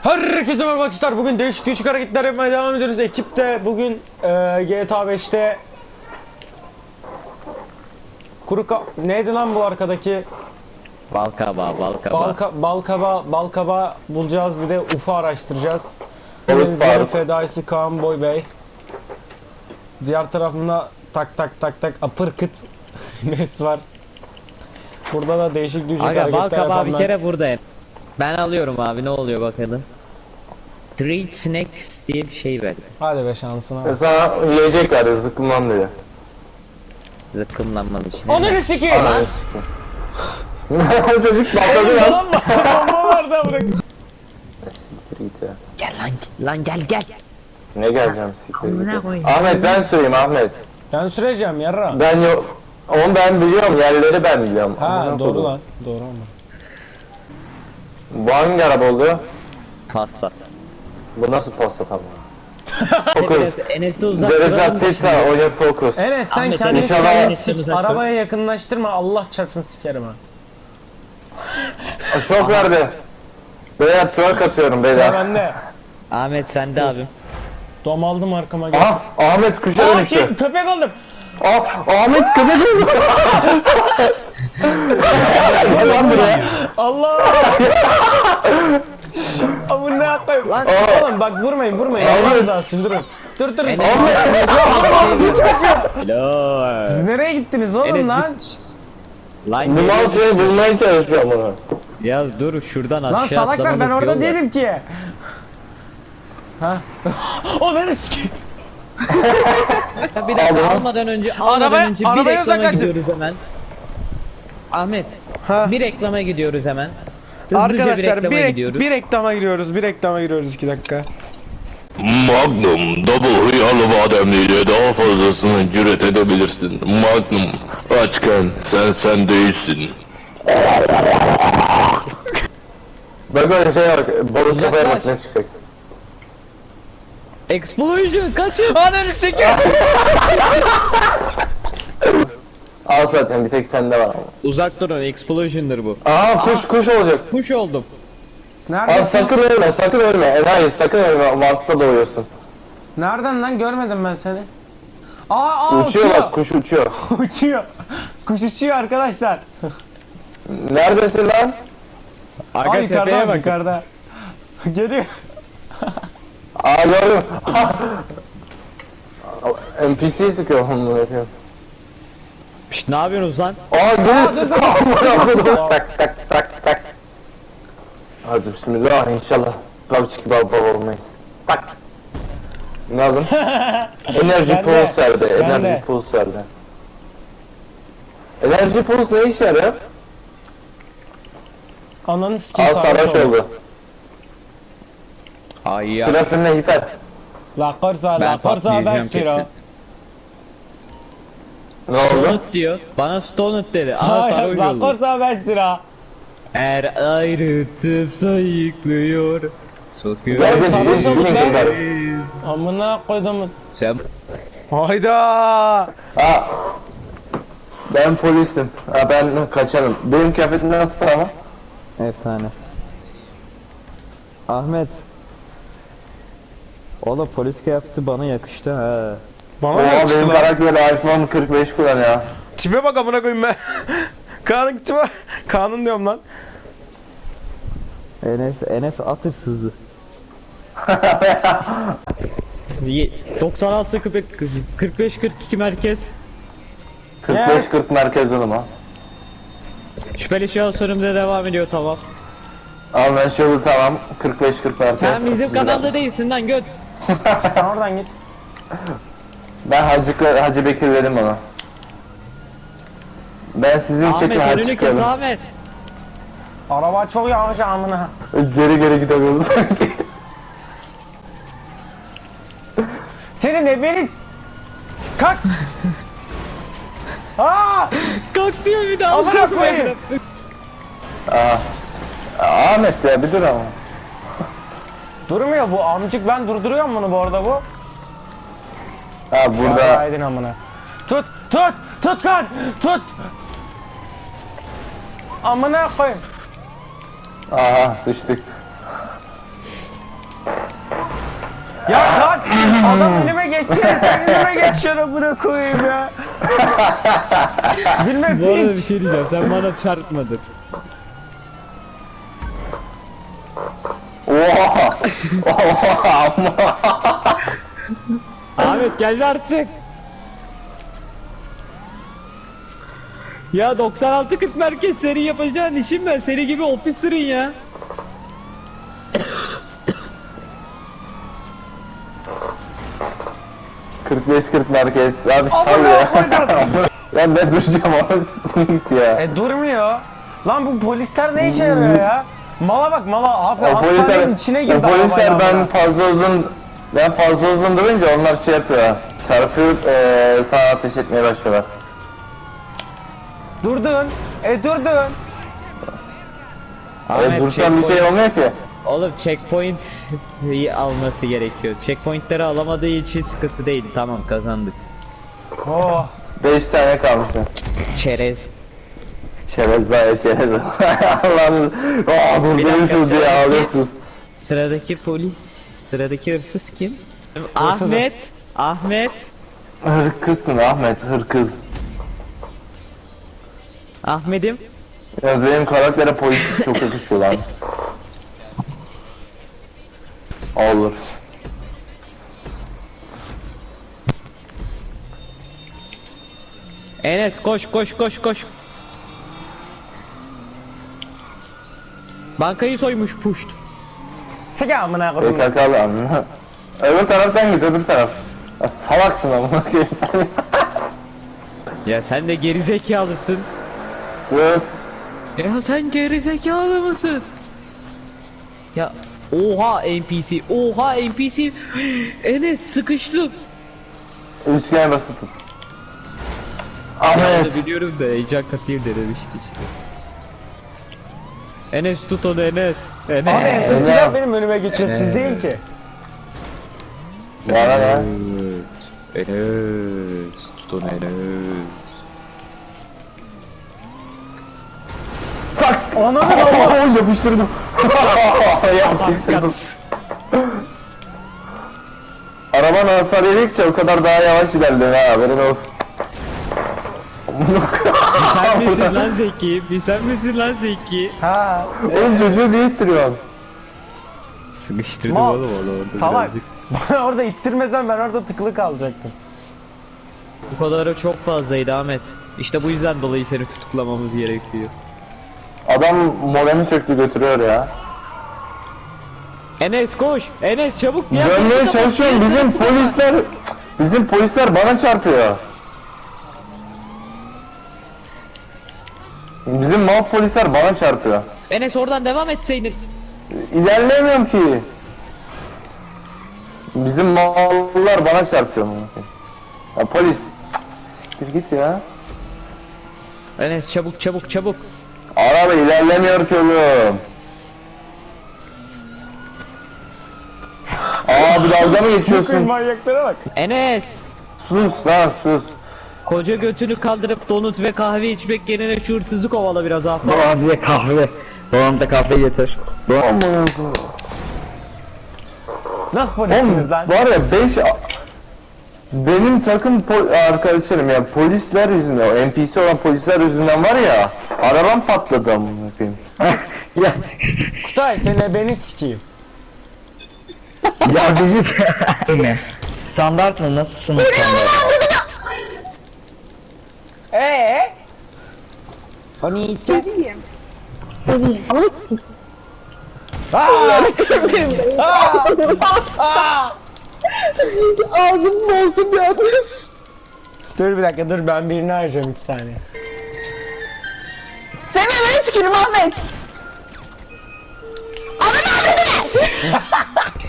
Herkese merhaba arkadaşlar. Bugün değişik hareketler yapmaya devam ediyoruz. Ekip de bugün GTA 5'te neydi lan bu arkadaki? Balkaba bulacağız, bir de UFO araştıracağız. Denizlerin fedaisi Kaan Boy Bey. Diğer tarafında tak apırkıt Nes var. Burada da değişik hareketler yapanlar. Balkaba bir kere buradayım. Ben alıyorum abi, ne oluyor bakalım. Treat Snacks diye bir şey verdi. Hadi be şansına. Sana yiyecek var, zıkkımlan diyor. Zıkkımlanmanın için. Ananı sikeyim. Çocuk patladı lan. Lan bomba vardı bırak. Siktir git ya. Gel lan gel. Ne geleceğim siktir Amına git. koyayım. Ahmet ben süreyim Ahmet. Ben süreceğim yarra. Ben yok. Onu ben biliyorum, yerleri ben biliyorum. Ha Amına doğru koydum. lan. Doğru ama. Bu hangi araba oldu? Passat. Bu nasıl Passat ama? Biraz Enes'i uzak Derezat duralım da Tesla, şimdi. oyna Focus. Enes sen Ahmet, kendini inşallah- kendini Enes'ten sik. uzak dur. Arabaya yakınlaştırma, Allah çarpsın sikerim ha. Şok verdi. Beyler twerk atıyorum Sıra beyler. bende. Ahmet sende abim. Dom aldım arkama gel. Aha Ahmet kuşa Aa dönüştü. köpek oldum. Ahmet köpek oldu. Gel lan buraya. Allah. Amına koyayım. Lan. Oğlum bak vurmayın. Ahmet. Allah razı olsun durun. Dur. Enes. Hello. Siz nereye gittiniz oğlum Enes lan? Lan Numaral şeyi bulmaya çalışıyorum bunu. ya dur şuradan aşağı Lan salaklar ben atlamalık orada yol var. değilim ki. O beni sikeyim. Ya bir dakika Abi. almadan önce Arabaya bir uzaklaştır. reklama gidiyoruz hemen. Ahmet Ha. bir reklama gidiyoruz hemen. Hızlıca Arkadaşlar bir reklama gidiyoruz. bir reklama giriyoruz 2 dakika. Magnum Double Hıyarlı Bademliyle daha fazlasını cüret edebilirsin. Magnum açken sen değilsin. Bak öyle şey bak. Balık kafaya bak Uzaklaş. ne çıkacak. Explosion kaçın. Ananı sikeyim. Al zaten bir tek sende var ama. Uzak durun, explosion'dır bu. Aa kuş olacak. Kuş oldum. Aa Neredesin? sakın ölme. Hayır sakın ölme. Mars'ta doğuyorsun. Nereden lan görmedim ben seni. Aa Uçuyor bak kuş uçuyor. uçuyor. Kuş uçuyor arkadaşlar. Neredesin lan? Arka Aa tepeye yukarıda bak. yukarıda. Geliyor. Aa gördüm. NPC sıkıyor onu yapıyor. Şşt, ne yapıyorsunuz lan? Aa gel. dur. Tak. Hadi bismillah inşallah. Babçık baba olmayız. Tak. Ne aldın? Enerji Ben de. pulse verdi. Ben de. Enerji pulse verdi. Enerji pulse ne işe yarıyor? Ananı sikeyim Al sarhoş oldu. Ay ya. Sıra seninle hiper. La korsa Ben patlayacağım ben kesin. Ne oldu? Stonut diyor. Bana Stonut dedi. Aha Hayır sarhoş la oldu. korsa 5 lira. Er ayrıtıp sayıklıyor. Sokuyor. Gel bir sarhoş olduk dinle lan. kızlar. Amına koydum. Sen Hayda. Ha. Ben polisim. Ha ben kaçarım. Benim kıyafetim nasıl ama? Efsane. Ahmet. Oğlum polis kıyafeti bana yakıştı ha. Bana Oha yakıştı benim lan. karakter iPhone 45 kullanıyor. Tipe bak amına koyayım ben. Kaan'ın tipe. Kaan'ın diyorum lan. Enes at hırsızı. 96 45 42 merkez. 45-40 merkez ama. Şüpheli şahıs önümde devam ediyor, tamam. Al ben şöyle tamam. 45-40 merkez. Sen bizim kanalda değilsin lan göt. Sen oradan git. Ben Hacı Bekir dedim ona. Ben sizin Ahmet çekin Hacı önünü kes çıkalım. Ahmet. Araba çok yavaş amına. Geri gidemiyoruz sanki. Senin ebeniz. Kalk. Aa! Kalk diyor bir daha. Amına koyayım. Ahmet ya bir dur ama. Durmuyor bu amcık, ben durduruyorum bunu bu arada bu. Ha burada. Aydın amına. Tut kan. Tut. Amına koyayım. Aha sıçtık. Ya lan adam önüme geçecek, sen önüme geçeceksin amına koyayım ya. Bilmem Bu arada bir hiç. şey diyeceğim, sen bana çarpmadın. Oha! Oha! Ahmet geldi artık. Ya 96-40 merkez seri yapacağın işim ben, seri gibi officer'ın ya. ...45-40 merkez. Abi sal Amına ya. koydum. Ya ne duracağım ama sıkıntı ya. Durmuyor. Lan bu polisler ne işe yarıyor ya? Mala bak mala abi O hastanenin polisler, içine girdi o polisler arabayla ben amına. fazla uzun durunca onlar şey yapıyor. Çarpıp sana ateş etmeye başlıyorlar. Durdun. Durdun. Dursan bir şey olmuyor ki. Oğlum checkpoint alması gerekiyor. Checkpointleri alamadığı için sıkıntı değil. Tamam kazandık. Oh. 5 tane kalmış. Çerez. Çerez bayağı çerez. Allah'ım. Durdurmuşuz diye sıradaki- ağlıyorsunuz. Sıradaki polis, sıradaki hırsız kim? Ahmet. Ahmet. Hırkızsın Ahmet, hırkız. Ahmet'im. Ya benim karaktere polis çok yakışıyor lan. Olur. Enes koş koş koş koş. Bankayı soymuş puşt. Sıga amına koydum. PKK'lı anla. Öbür taraftan git, öbür taraf. Ya salaksın amına koyayım sen. Ya sen de gerizekalısın. Sus. Ya sen gerizekalı mısın? Ya oha NPC, oha NPC. Enes sıkıştım. Üçgen basıp tut. Ya Ahmet. onu biliyorum da heyecan katayım denemişti işte. Enes tut onu Enes. Abi Enes. NPC'ler benim önüme geçiyor siz değil ki. Bana ne? Enes. Tut onu Enes. Tak. Ananı ama. Yapıştırdım. Yapıştırdım. Araban hasar yedikçe o kadar daha yavaş ilerliyor ha, haberin olsun. Sen misin lan Zeki? Bir sen misin lan Zeki? Ha. Oğlum çocuğu niye ittiriyorsun? Sıkıştırdım Mal. oğlum onu orada Salak. birazcık. Bana orada ittirmesen ben orada tıkılı kalacaktım. Bu kadarı çok fazlaydı Ahmet. İşte bu yüzden dolayı seni tutuklamamız gerekiyor. Adam modemi söktü götürüyor ya. Enes koş! Enes çabuk! diğer Dönmeye kapıda çalışıyorum, bak. bizim polisler bana çarpıyor. Bizim mal polisler bana çarpıyor. Enes oradan devam etseydin. İlerleyemiyorum ki. Bizim mallar bana çarpıyor. Ya polis. Siktir git ya. Enes çabuk çabuk çabuk. Araba ilerlemiyor ki oğlum. Aa bir dalga mı Bakın geçiyorsun? manyaklara bak. Enes! Sus lan sus. Koca götünü kaldırıp donut ve kahve içmek yerine şu hırsızı kovala biraz Ahmet. Doğan diye kahve. Doğan da kahve getir. Aman Nasıl polissiniz lan? var ya 5 benim takım arkadaşlarım ya polisler yüzünden, o NPC olan polisler yüzünden var ya arabam patladı amına koyayım. Ya Kutay seni beni sikeyim. ya bizim ne? Standart mı? Nasıl sınıf standart? O niye Bebeğim. Ama sikeyim. Ağzım bozdum ya. Dur bir dakika dur ben birini arayacağım 3 saniye. Sen hemen tükürüm Ahmet. Ananı avradını.